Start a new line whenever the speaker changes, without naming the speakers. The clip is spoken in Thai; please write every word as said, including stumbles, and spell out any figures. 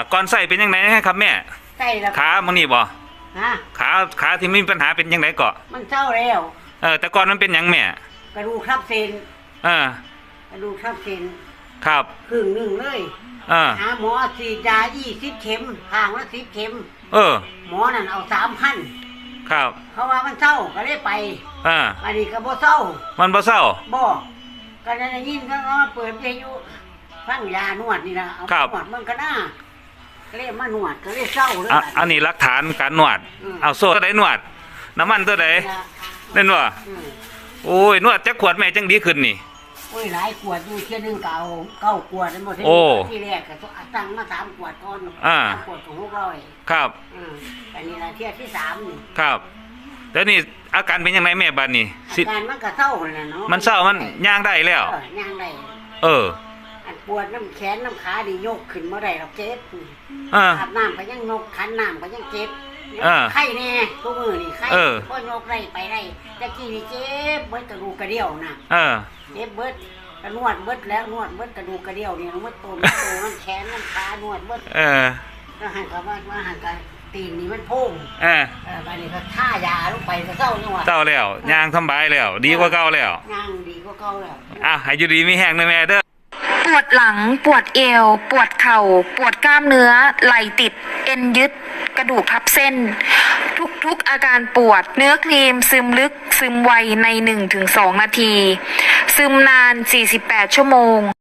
ก่อนใส่เป็นยังไงครับแม่
ใส่แล้ว
ขามันนี่บ่
ฮะ
ขาขาที่มีปัญหาเป็นยังไงเกาะ
มันเศร้าแล้ว
เออแต่ก่อนมันเป็นยังแม่
กระดูกทับเส้น
เออก
ระดูกทับเส้น
ครับ
ครึ่งหนึ่งเลย
เออ
หาหมอฉีดยายี่สิบเข็มห่างละสิบเข็ม
เออ
หมอนั่นเอาสามพัน
ครับ
เขาว่ามันเศร้าก็เลยไป
อ่า
อันนี้ก็บ่เศร้า
มันบ่เศร้า
บ่ก็ได้ยินก็เปิดวิทยุฟังยานวดนี่นะเอานวดมันก็น่าก็เลยมานวดก็เลยเศร้าเลย
อันนี้หลักฐานการนวดเอาโซ่ตัวใดนวดน้ำมันตัวใดเล่นว่าโอ้ยนวดจักขวดแม่จังดีขึ้นนี่
โอ้ยหลายขวดอยู่เที่ยนึงเก่าเก้าขวดหมดที่แรกก็ตั้งมาสามขวดก่อนสามขวดของหกร้อย
ครับ
อันนี้ละเที่ยที่สามนี่
ครับแล้วนี่อาการเป็นยังไงแม่บ้านนี่
อาการมันก็เศร้าเลยเนาะ
มันเศร้ามันย่างได้แล้ว
ย่างได้
เออ
อันปวดน้ำแขนน้ำขาดิยกขึ้นเมื่อไรเราเจ็บอาบน้ำก็ยังยกขันน้ำก็ยังเจ็บไข้แน่ทุกมือนี่ไข้ก็ยกไรไปไรตะกี้นี่เจ็บเบิดกระดูกกระเดี่ยวนะเจ็บเบิดกระนวดเบิดแล้วนวดเบิดกระดูกกระเดี่ยวนี่นวดตัวมันตัวมันแขนมันขานวดเบิด
เออ
ก็หันกับว่าว่าหันกับตีนนี่มันพุ่ง
เออ
ไปนี่ก็ท่ายาลงไปก็เศร้านี่หว่า
เศร้าแล้วย่างสบายแล้วดีกว่าเก่าแล้ว
ย่างดีกว่าเก่าแล้ว
อ่ะให้อยู่ดีมีแห้งเลยแม่เด้อ
ปวดหลังปวดเอวปวดเข่าปวดกล้ามเนื้อไหล่ติดเอ็นยึดกระดูกทับเส้นทุกๆอาการปวดเนื้อครีมซึมลึกซึมไวใน หนึ่งถึงสอง นาทีซึมนานสี่สิบแปดชั่วโมง